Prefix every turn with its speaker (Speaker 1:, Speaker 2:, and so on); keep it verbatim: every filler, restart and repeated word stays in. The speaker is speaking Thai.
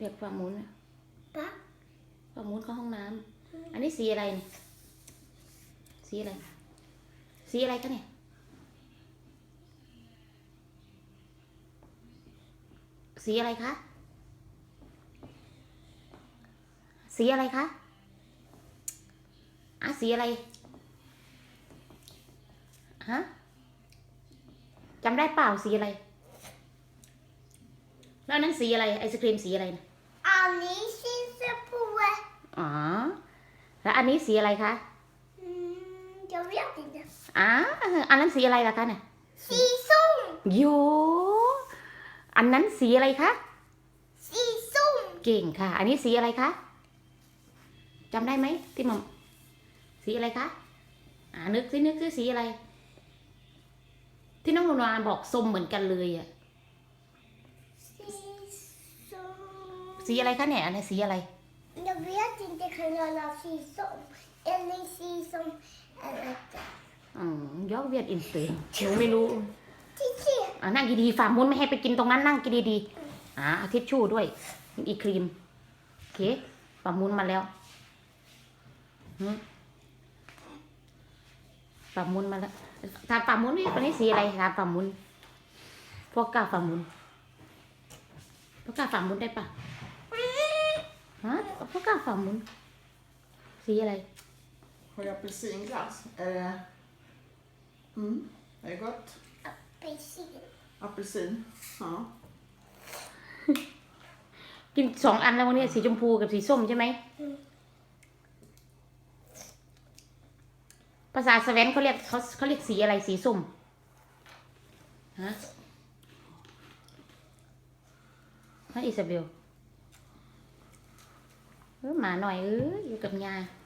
Speaker 1: รียกฝั่งมุ้น
Speaker 2: ปั๊บ
Speaker 1: ฝั่งมุ้นเข้าห้องน้ำอันนี้สีอะไรเนี่ยสีอะไรสีอะไรคะเนี่ยสีอะไรคะสีอะไรคะอ่ะสีอะไรฮะจำได้เปล่าสีอะไรแล้วนั้นสีอะไรไอศครีมสีอะไรนะ
Speaker 2: อันนี้สีชมพูอ่ะ
Speaker 1: อ๋อแล้วอันนี้สีอะไรคะ
Speaker 2: อืมจะเรียกยังไง
Speaker 1: อ่าอันนั้นสีอะไรล่ะคะเนี่ย
Speaker 2: สีส้ม
Speaker 1: โยอันนั้นสีอะไรคะ
Speaker 2: สีส้ม
Speaker 1: เก่งค่ะ อันนี้สีอะไรคะจำได้ไหมที่มัมสีอะไรคะอ่านึกสินึกสิสีอะไร ที่น้องนวลบอกส้มเหมือนกันเลยอ่ะ
Speaker 2: สีส้ม
Speaker 1: สีอะไรคะเนี่ยอันนี้สีอะไร
Speaker 2: Jag vet inte kan jag haสีส้ม eller สีส้ม eller
Speaker 1: อืมยอกเวียดอินเตอร์หนูไม่รู้
Speaker 2: ที่เขียน
Speaker 1: อ่านั่งดีๆฝ่ามุ้นไม่ให้ไปกินตรงนั้นนั่งกินดีๆอ่าเอาทิชชู่ด้วยอีกครีมโอเคฝ่ามุ้นมาแล้วหืมฝ่ามุ้นมาแล้วถามฝ่ามุ้นนี่วันนี้สีอะไรถามฝ่ามุ้นพวกกาฝ่ามุ้นพวกกาฝ่ามุ้นได้ปะฮะพวกกาฝ่ามุ้นสีอะไร
Speaker 3: Har jag apelsinglass? Eh, mm, det är gott.
Speaker 2: apelsin.
Speaker 3: Apelsin. Ja.
Speaker 1: กินสองอันแล้ววันนี้สีชมพูกับสีส้มใช่ไหมภาษาสเวนเขาเรียกเขาเขาเรียกสีอะไรสีส้มฮะฮะอิซาเบลเออหมาหน่อยเอออยู่กับยา